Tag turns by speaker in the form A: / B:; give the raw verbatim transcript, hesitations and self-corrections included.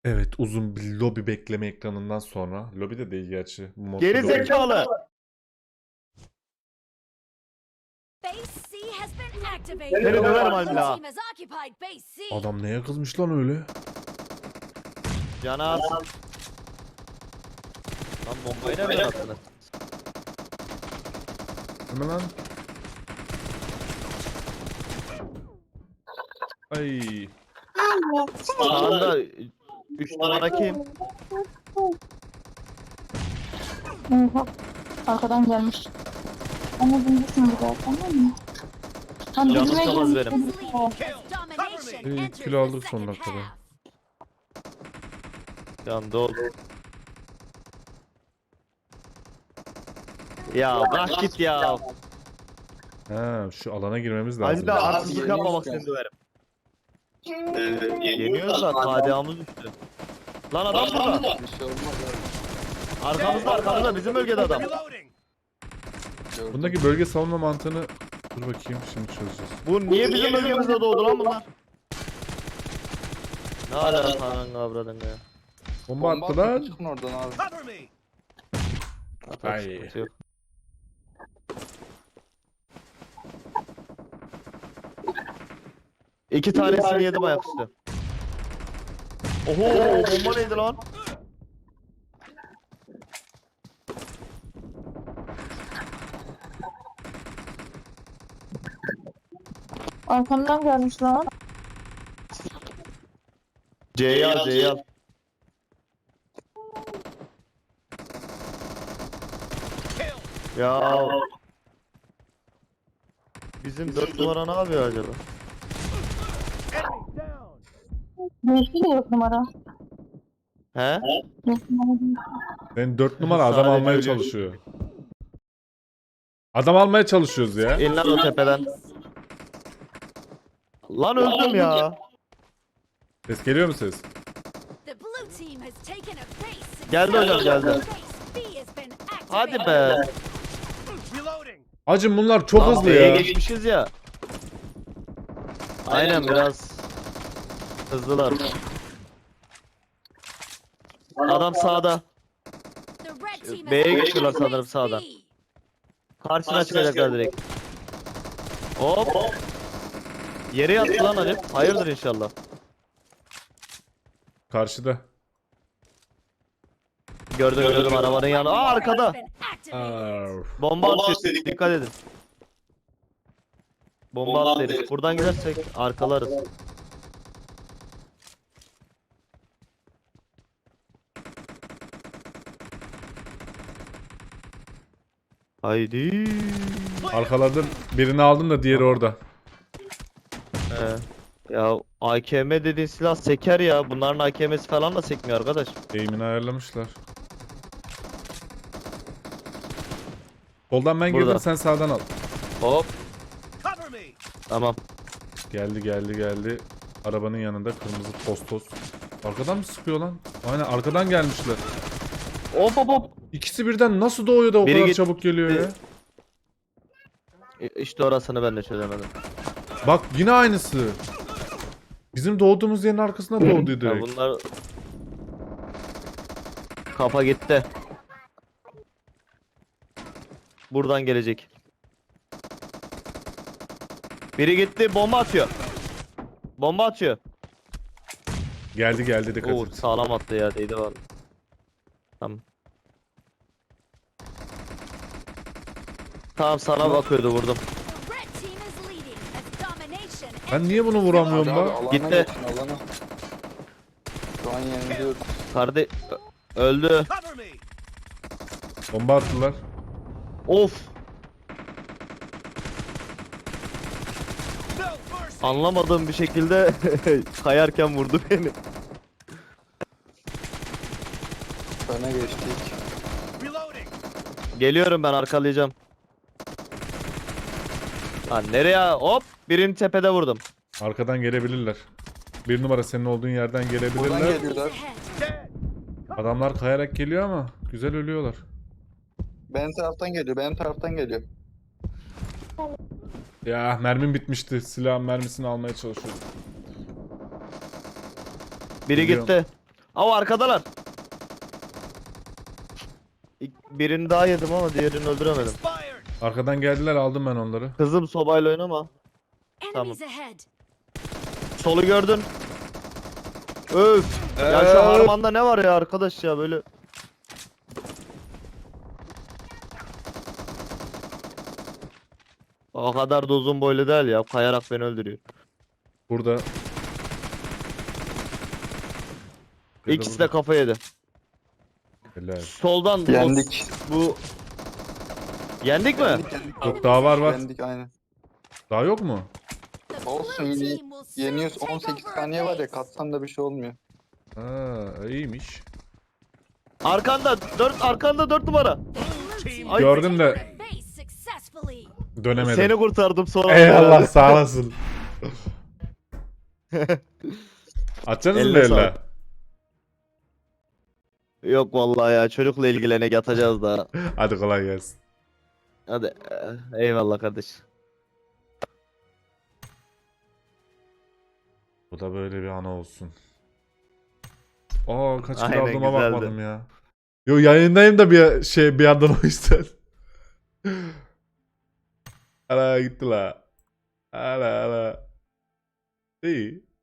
A: Evet, uzun bir lobi bekleme ekranından sonra. Lobi de değil gerçi. Bu modda
B: Geri
A: lobi.
B: zekalı.
C: Base C has been activated.
B: Seni döverim
C: Blue
B: hala.
C: team has occupied base C.
A: Adam neye kızmış lan öyle?
B: Canas. Lan bombayı nereden attın?
A: Değil mi lan? Ay.
B: Sağında üç numara kim?
D: Oha. Arkadan gelmiş. Ama bilirsin bu da tamam mı? Tam
B: Canım
D: dibime
B: çalmaz
D: girmiş.
B: benim.
C: Leading as domination
A: İyi,
C: enters
A: kilo
C: the
A: aldık son
C: second
A: dakikada.
C: half.
B: Can dol. Ya bırak git ya.
A: Ha, şu alana girmemiz lazım.
B: Hadi de arsızlık yapma bak seni döverim. Yeniyoruz da K D A'mız düştü. Lan adam burada. Arkamızda arkamızda bizim bölgede adam.
A: Bundaki bölge savunma mantığını dur bakayım şimdi çözeceğiz.
B: Bu niye bizim bölgemizde doğdu lan bunlar? Ne alaka lan kavradın ya.
A: Bomba attı lan.
E: Çıkın oradan abi.
B: Atak
A: Ay.
B: sıkıntı yok. İki tanesini yedim ayaküstü. Oho bomba neydi lan?
D: Arkamdan gelmiş lan.
B: C'yi al C'yi al. Ya bizim dört numara ne yapıyor acaba?
D: Değişti de yok numara.
B: He?
D: Yok numara değil.
A: Ben dört numara adam
B: Sadece
A: almaya
B: ölüyor.
A: çalışıyor. Adam almaya çalışıyoruz ya.
B: İn lan o tepeden. Lan öldüm ya.
A: Ses geliyor mu ses?
C: The blue team has taken a base.
B: Geldi hocam geldi.
C: Base B has been
B: Hadi
C: activated.
B: be.
A: Hacım bunlar çok
B: Lan
A: hızlı
B: B'ye
A: ya.
B: geçmişiz ya. Aynen biraz hızlılar. Adam sağda.
C: The red team has
B: B'ye
C: occupied
B: geçiyorlar sanırım
C: base
B: sağdan.
C: B.
B: Karşına çıkacaklar direkt. Hop. Yere yattı lan Halim. Hayırdır inşallah.
A: Karşıda.
B: Gördüm gördüm arabanın yanı. Aa arkada.
C: Been activated.
A: Arf.
B: Bomba atıyor. Dikkat edin. Bomba at herif. Buradan gidersek arkalarız. Haydi.
A: Arkaladım. Birini aldım da diğeri orada.
B: He. Ya A K M dediğin silah seker ya. Bunların A K M'si falan da sekmiyor arkadaş.
A: Eğimini ayarlamışlar. Soldan ben girdim
B: Burada.
A: sen sağdan al.
B: Hop. Tamam.
A: Geldi geldi geldi. Arabanın yanında kırmızı postos. Arkadan mı sıkıyor lan? Aynen arkadan gelmişler.
B: Hop hop hop.
A: İkisi birden nasıl doğuyor da o
B: Biri
A: kadar
B: git-
A: çabuk geliyor ya?
B: İ- İşte orasını ben de çözemedim.
A: Bak yine aynısı. Bizim doğduğumuz yerin arkasına doğdu
B: Ya
A: direkt.
B: bunlar kafa gitti. Buradan gelecek. Biri gitti bomba atıyor. Bomba atıyor.
A: Geldi geldi dikkat
B: Oo
A: et.
B: sağlam attı ya değdi var. Tamam. Tamam sana bakıyordu vurdum.
C: The red team is leading as domination
A: Ben niye bunu
C: enters the
A: vuramıyorum
E: Hadi abi,
A: da?
E: alana
B: Gitti.
E: geçin, alana. Şu an yeniliyoruz.
B: Kardeş öldü.
A: Bomba attılar.
B: Of. Anlamadığım bir şekilde kayarken vurdu beni.
E: Öne geçtik.
B: Geliyorum ben arkalayacağım. Lan nereye? Hop birini tepede vurdum.
A: Arkadan gelebilirler. Bir numara senin olduğun yerden
E: Buradan
A: gelebilirler.
E: geliyorlar.
C: ahead.
A: Adamlar kayarak geliyor ama güzel ölüyorlar.
E: Benim taraftan geliyor, benim taraftan geliyor.
A: Ya mermim bitmişti. Silahın mermisini almaya çalışıyorum.
B: Biri
A: Biliyorum.
B: gitti. Aa arkadalar. İlk- Birini daha yedim ama diğerini öldüremedim.
A: Arkadan geldiler, aldım ben onları.
B: Kızım sobayla oynama.
C: Enemies ahead.
B: Solu gördün. Öf. Ya şu
E: Öf.
B: harmanda ne var ya arkadaş ya böyle. O kadar da uzun boylu değil ya. Kayarak beni öldürüyor.
A: Burada.
B: İkisi de kafa yedi.
A: Helal.
B: Soldan
E: Yendik.
B: bu yendik mi?
E: Yendik yendik.
A: Yok, daha var var.
E: Yendik aynen.
A: Daha yok mu?
C: The
E: Olsun,
C: blue
E: yeni-
C: team will soon
E: Yeniyoruz,
C: take
E: on sekiz
C: over
E: saniye
C: a
E: var ya,
C: base.
E: katsan da bir şey olmuyor.
A: Ha, iyiymiş.
B: Arkanda dört arkanda dört numara.
C: Blue team
B: Ay.
A: Gördüm
C: will
A: de-
C: take over a base successfully.
A: Dönemedim.
B: Seni kurtardım sonra.
A: Eyvallah, sağ olasın. Açacaksınız mı
B: Eline
A: elle?
B: sağlık. Yok vallahi ya çocukla ilgilenek yatacağız daha.
A: Hadi kolay gelsin.
B: Hadi eh, eyvallah kardeş.
A: Bu da böyle bir ana olsun. Aa, kaç kill
B: Aynen,
A: aldığıma
B: güzeldi.
A: bakmadım ya. Yo, yayındayım da bir şey bir yandan o yüzden. Ala gitti la. Ala ala. İyi.